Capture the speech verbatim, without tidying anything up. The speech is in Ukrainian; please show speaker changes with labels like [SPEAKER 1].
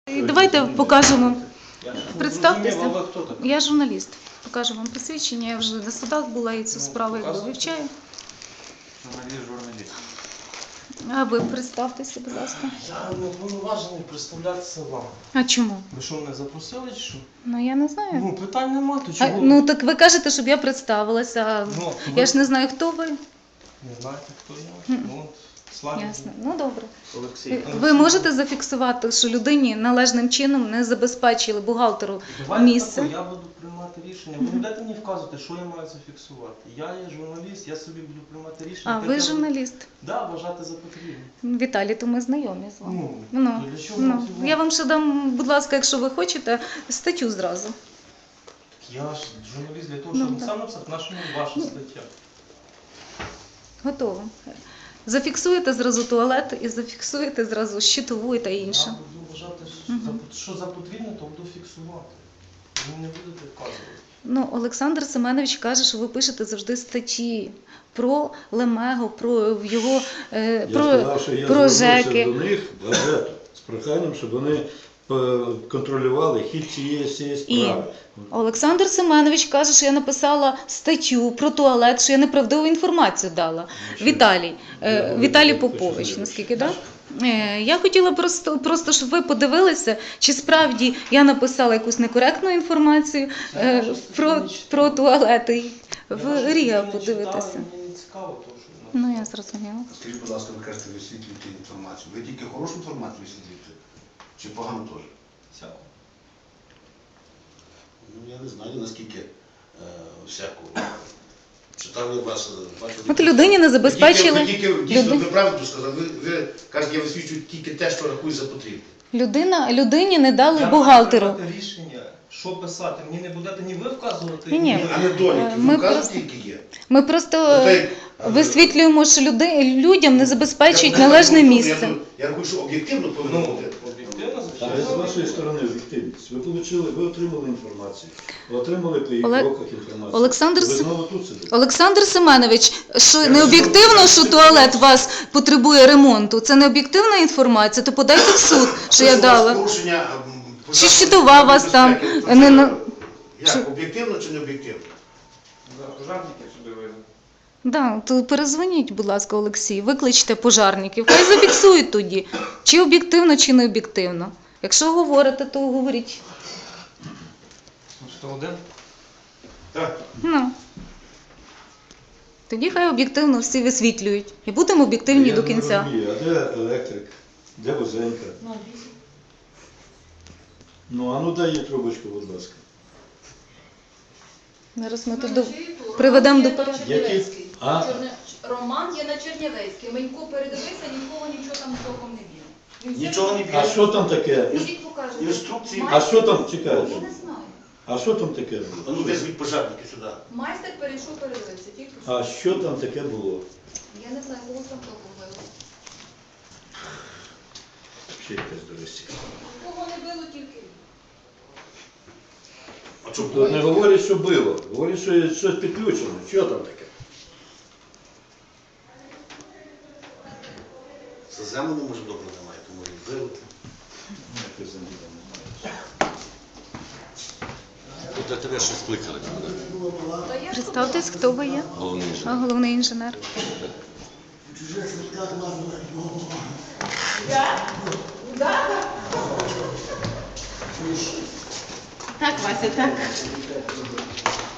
[SPEAKER 1] І давайте покажемо. Представтеся.
[SPEAKER 2] А ви хто такий?
[SPEAKER 1] Я журналіст. Покажу вам посвідчення. Я вже на судах була і цю справу якби вивчаю.
[SPEAKER 2] Журналіст, журналіст.
[SPEAKER 1] А ви представтеся, будь ласка.
[SPEAKER 3] Я не повноважений представлятися вам.
[SPEAKER 1] А чому?
[SPEAKER 3] Ви що, мене запросили чи що?
[SPEAKER 1] Ну я не знаю.
[SPEAKER 3] Ну, питань нема, то
[SPEAKER 1] А,
[SPEAKER 3] чого?
[SPEAKER 1] ну так ви кажете, щоб я представилася. а
[SPEAKER 3] Ну,
[SPEAKER 1] Я ж не знаю, хто ви.
[SPEAKER 3] Не знаєте, хто я?
[SPEAKER 1] Мгм.
[SPEAKER 3] Ну, от, слава
[SPEAKER 1] Ясно. Ну добре.
[SPEAKER 2] Олексій.
[SPEAKER 1] Ви можете зафіксувати, що людині належним чином не забезпечили бухгалтеру
[SPEAKER 3] Давайте
[SPEAKER 1] місце?
[SPEAKER 3] тако, я буду приймати рішення. Ви не будете мені вказувати, що я маю зафіксувати. Я є журналіст, я собі буду приймати рішення.
[SPEAKER 1] А
[SPEAKER 3] як
[SPEAKER 1] ви
[SPEAKER 3] я
[SPEAKER 1] журналіст?
[SPEAKER 3] буду- Да, вважати за потрібне.
[SPEAKER 1] Віталій, то ми знайомі з вами.
[SPEAKER 3] Ну,
[SPEAKER 1] Ну,
[SPEAKER 3] то для чого
[SPEAKER 1] ну.
[SPEAKER 3] вам це
[SPEAKER 1] Я вам ще дам, будь ласка, якщо ви хочете, статтю зразу.
[SPEAKER 3] Я ж журналіст для того,
[SPEAKER 1] Ну,
[SPEAKER 3] щоб
[SPEAKER 1] так.
[SPEAKER 3] сам написати, на що мені ваша стаття.
[SPEAKER 1] Готово. Зафіксуєте зразу туалет і зафіксуєте зразу щитову та інше.
[SPEAKER 3] Я буду вважати, що
[SPEAKER 1] Мгм.
[SPEAKER 3] за- що за потрібне, то буду фіксувати. Ви не будете вказувати.
[SPEAKER 1] Ну, Олександр Семенович каже, що ви пишете завжди статті про Лемего, про його е,
[SPEAKER 4] Я
[SPEAKER 1] про,
[SPEAKER 4] сказав, що я
[SPEAKER 1] про
[SPEAKER 4] звернувся
[SPEAKER 1] ЖЕКи.
[SPEAKER 4] до них газету з проханням, щоб вони е, контролювали хід цієї цієї справи.
[SPEAKER 1] Олександр Семенович каже, що я написала статтю про туалет, що я неправдиву інформацію дала.
[SPEAKER 4] що?
[SPEAKER 1] Віталій, е,
[SPEAKER 4] Я
[SPEAKER 1] Віталій
[SPEAKER 4] говорю, те,
[SPEAKER 1] Попович,
[SPEAKER 4] що
[SPEAKER 1] наскільки так? Е, Я хотіла просто, просто, щоб ви подивилися, чи справді я написала якусь некоректну інформацію
[SPEAKER 3] Я
[SPEAKER 1] е,
[SPEAKER 3] вашу статтю
[SPEAKER 1] про,
[SPEAKER 3] не читав.
[SPEAKER 1] про туалети.
[SPEAKER 3] Я
[SPEAKER 1] В
[SPEAKER 3] вашу
[SPEAKER 1] Ріа
[SPEAKER 3] статтю не
[SPEAKER 1] подивитися.
[SPEAKER 3] читав, і Мені не цікаво, тому що ви
[SPEAKER 1] Ну, я
[SPEAKER 3] написали.
[SPEAKER 1] зрозуміла.
[SPEAKER 5] Скажіть, будь ласка, ви кажете, висвітлюєте інформацію. Ви тільки хорошу інформацію висвітлюєте? Чи погану теж?
[SPEAKER 3] Всяко.
[SPEAKER 5] Ну, я не знаю, наскільки е, всяку. Читав я вас, бачу...
[SPEAKER 1] От людині не забезпечили.
[SPEAKER 5] Ви тільки, ви тільки дійсно,
[SPEAKER 1] Люди-
[SPEAKER 5] ви правду сказали, ви, ви кажете, я висвічую тільки те, що рахую за потрібне.
[SPEAKER 1] Людина, людині не дали
[SPEAKER 3] Я
[SPEAKER 1] бухгалтеру.
[SPEAKER 3] маю приймати рішення, що писати. Мені не будете ні ви вказувати,
[SPEAKER 1] Ні, ні.
[SPEAKER 5] А не доліки,
[SPEAKER 1] Е,
[SPEAKER 5] ви
[SPEAKER 1] ми
[SPEAKER 5] вказуєте,
[SPEAKER 1] просто-
[SPEAKER 5] які є.
[SPEAKER 1] Ми просто
[SPEAKER 5] Ота й-
[SPEAKER 1] висвітлюємо, що люди, людям не забезпечують
[SPEAKER 5] Я- я-
[SPEAKER 1] належне
[SPEAKER 5] я-
[SPEAKER 1] місце.
[SPEAKER 5] Я, я рахую, що об'єктивно повинно
[SPEAKER 3] Ну,
[SPEAKER 5] бути.
[SPEAKER 3] об'єктивно,
[SPEAKER 4] Але
[SPEAKER 3] звичайно.
[SPEAKER 4] з вашої сторони об'єктивність. Ви получили, ви отримали інформацію, ви отримали по їх
[SPEAKER 1] Оле-
[SPEAKER 4] кроках інформацію.
[SPEAKER 1] Олександр
[SPEAKER 4] ви
[SPEAKER 1] Сем-
[SPEAKER 4] знову тут сидите.
[SPEAKER 1] Олександр Семенович, що не об'єктивно, що туалет у вас потребує ремонту? Це не об'єктивна інформація, то подайте в суд, що я
[SPEAKER 5] Це у вас
[SPEAKER 1] дала.
[SPEAKER 5] порушення, м,
[SPEAKER 1] Чи
[SPEAKER 5] порядку
[SPEAKER 1] щитова вас там
[SPEAKER 5] безпеки. То
[SPEAKER 1] не
[SPEAKER 5] це
[SPEAKER 1] на-
[SPEAKER 5] Як, об'єктивно чи не об'єктивно?
[SPEAKER 2] Да, пожарники сюди вийдуть.
[SPEAKER 1] Да, то перезвоніть, будь ласка, Олексій, викличте пожарників, хай зафіксують тоді, чи об'єктивно, чи не об'єктивно. Якщо говорите, то говоріть.
[SPEAKER 3] сто один?
[SPEAKER 5] Так.
[SPEAKER 1] Ну. Тоді хай об'єктивно всі висвітлюють. І будемо об'єктивні
[SPEAKER 4] Я
[SPEAKER 1] до
[SPEAKER 4] не
[SPEAKER 1] кінця.
[SPEAKER 4] розумію, а де електрик? Де Возенька? Ну, а ну дай їй трубочку, будь ласка.
[SPEAKER 1] Зараз ми тут до... приведемо до порядку.
[SPEAKER 4] Які? А?
[SPEAKER 6] Чорне- Роман є на Чернівецькій. Менько передивився, нікого нічого там толком не біло. Він все
[SPEAKER 5] Нічого не
[SPEAKER 6] біло.
[SPEAKER 5] біло.
[SPEAKER 4] А що там таке?
[SPEAKER 6] Ідіть покажете.
[SPEAKER 5] Інструкції.
[SPEAKER 4] А що там,
[SPEAKER 6] Я
[SPEAKER 4] чекайте,
[SPEAKER 6] не знаю.
[SPEAKER 4] а що там таке
[SPEAKER 5] А
[SPEAKER 4] було?
[SPEAKER 5] ну визвіть пожарники сюди.
[SPEAKER 6] Майстер перейшов, передивився. Тільки що.
[SPEAKER 4] А що там таке було?
[SPEAKER 6] Я не знаю, кого там толком било.
[SPEAKER 4] Ще якась доросі.
[SPEAKER 6] Кого не било, тільки.
[SPEAKER 5] А чому?
[SPEAKER 4] Тобто не говорять, що було, говорять, що є щось підключено. Що там таке?
[SPEAKER 5] За землю може добре немає, тому і вилити.
[SPEAKER 4] Якось землі там немає.
[SPEAKER 7] Для тебе щось кликали.
[SPEAKER 6] Та я
[SPEAKER 1] Представтесь, хто ви є?
[SPEAKER 7] Головний
[SPEAKER 1] А, головний інженер.
[SPEAKER 8] Так, Вася, так.